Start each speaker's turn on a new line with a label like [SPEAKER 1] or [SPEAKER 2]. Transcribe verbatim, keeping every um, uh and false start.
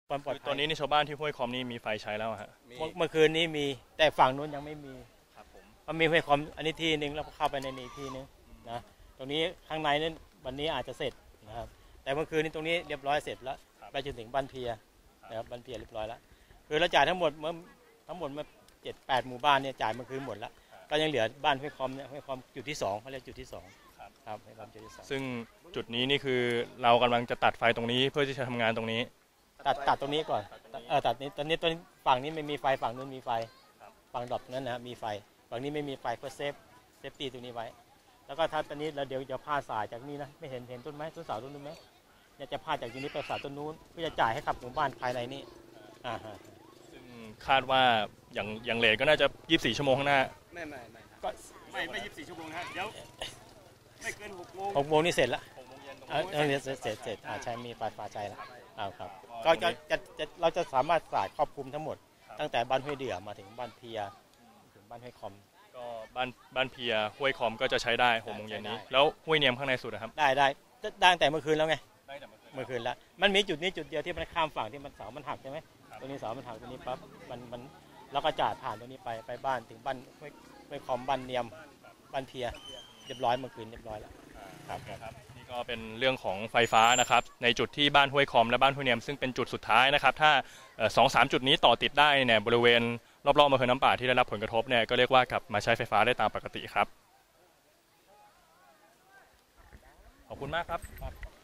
[SPEAKER 1] ความปลอดภัย
[SPEAKER 2] ตอนนี้ในชาวบ้านที่ห้วยคอมนี่มีไฟใช้แล้วฮะ
[SPEAKER 1] เมื่อคืนนี้มีแต่ฝั่งนู้นยังไม่มี
[SPEAKER 2] ครับผม
[SPEAKER 1] มันมีห้วยคอมอันนี้ที่นึงแล้วเข้าไปในนี้ที่นึงนะตรงนี้ข้างในนั้นวันนี้อาจจะเสร็จนะครับแต่เมื่อคืนนี้ตรงนี้เรียบร้อยเสร็จแล้วไปจนถึงบ้านเพียนะครับบ้านเพียเรียบร้อยแล้วคือเราจ่ายทั้งหมดเมื่อทั้งหมดเมื่อเจ็ดแปดหมู่บ้านเนี่ยจ่ายเมื่อคืนหมดแล้วก็ยังเหลือบ้านห้วยคอมเนี่ยห้วยคอมจุดที่สองเขาเรียกจุดที่สองครับห้วยคอมจุดที่สอง
[SPEAKER 2] ซึ่งจุดนี้นี่คือเรากำลังจะตัดไฟตรงนี้เพื่อที่จะทำงานตรงนี้
[SPEAKER 1] ตัดตัดตรงนี้ก่อนเออตัดนี้ตอนนี้ตอนฝั่งนี้ไม่มีไฟฝั่งนู้นมีไฟฝั่งดอกนั้นนะมีไฟฝั่งนี้ไม่มีไฟเพื่อเซฟเซฟตี้ตรงนี้ไว้แล้วก็ถ้าตอนนี้เราเดี๋ยวจะพาสายจากนี้นะไม่เห็นเห็นต้นไม้ต้นเสาต้นนู้นไหมเนี่ยจะพาจากตรงนี้ไปสายต้นนู้นเพื่อจะจ่ายให้กับหมู่บ้านภายในนี้อ่าฮะ
[SPEAKER 2] ซึ่งคาดว่าอย่างอย่างเลทก็น่าจะยี่สิบสี่ชั่วโมงข้างหน้า
[SPEAKER 3] ไม่ไม่ไม่
[SPEAKER 1] ก็
[SPEAKER 3] ไม่ไม่ยี่สิบสี่ชั่วโมงฮะเดี๋ยวไม่เกินหกโมง
[SPEAKER 1] หกโมงนี่เสร็จแล้ว
[SPEAKER 2] หกโมงเย็นตรง
[SPEAKER 1] เออเสร็จเสร็จเสร็จอ่าใช่มีไฟฟ้าใช้แล้วอ้าวครับก็จะจะเราจะสามารถสายครอบคลุมทั้งหมดตั้งแต่บ้านห้วยเดือมาถึงบ้านเพียถึงบ้านห้วยคอม
[SPEAKER 2] ก็บ้านบ้านเพียห้วยคอมก็จะใช้ได้หกโมงเย็นนี้แล้วห้วยเนียมข้างในสุดนะครับ
[SPEAKER 1] ได้ได้ได้แต่เมื่อคืนแล้วไงเมื่อคืนแล้วมันมีจุดนี้จุดเดียวที่มันข้ามฝั่งที่มันเสามันหักใช่ไหมตรงนี้เสามันหักตรงนี้ปั๊บมันมันเราก็จ่ายผ่านตรงนี้ไปไปบ้านถึงบ้านห้วยคอมบ้านเนียมบ้านเพียเรียบร้อยเมื่อคืนเรียบร้อยแล้วครับ
[SPEAKER 2] ครับนี่ก็เป็นเรื่องของไฟฟ้านะครับในจุดที่บ้านห้วยคอมและบ้านห้วยเนียมซึ่งเป็นจุดสุดท้ายนะครับถ้าสองสามจุดนี้ต่อติดได้เนี่ยบริเวณรอบๆอำเภอน้ำป่าที่ได้รับผลกระทบเนี่ยก็เรียกว่ากลับมาใช้ไฟฟ้าได้ตามปกติครับขอบคุณมากครับ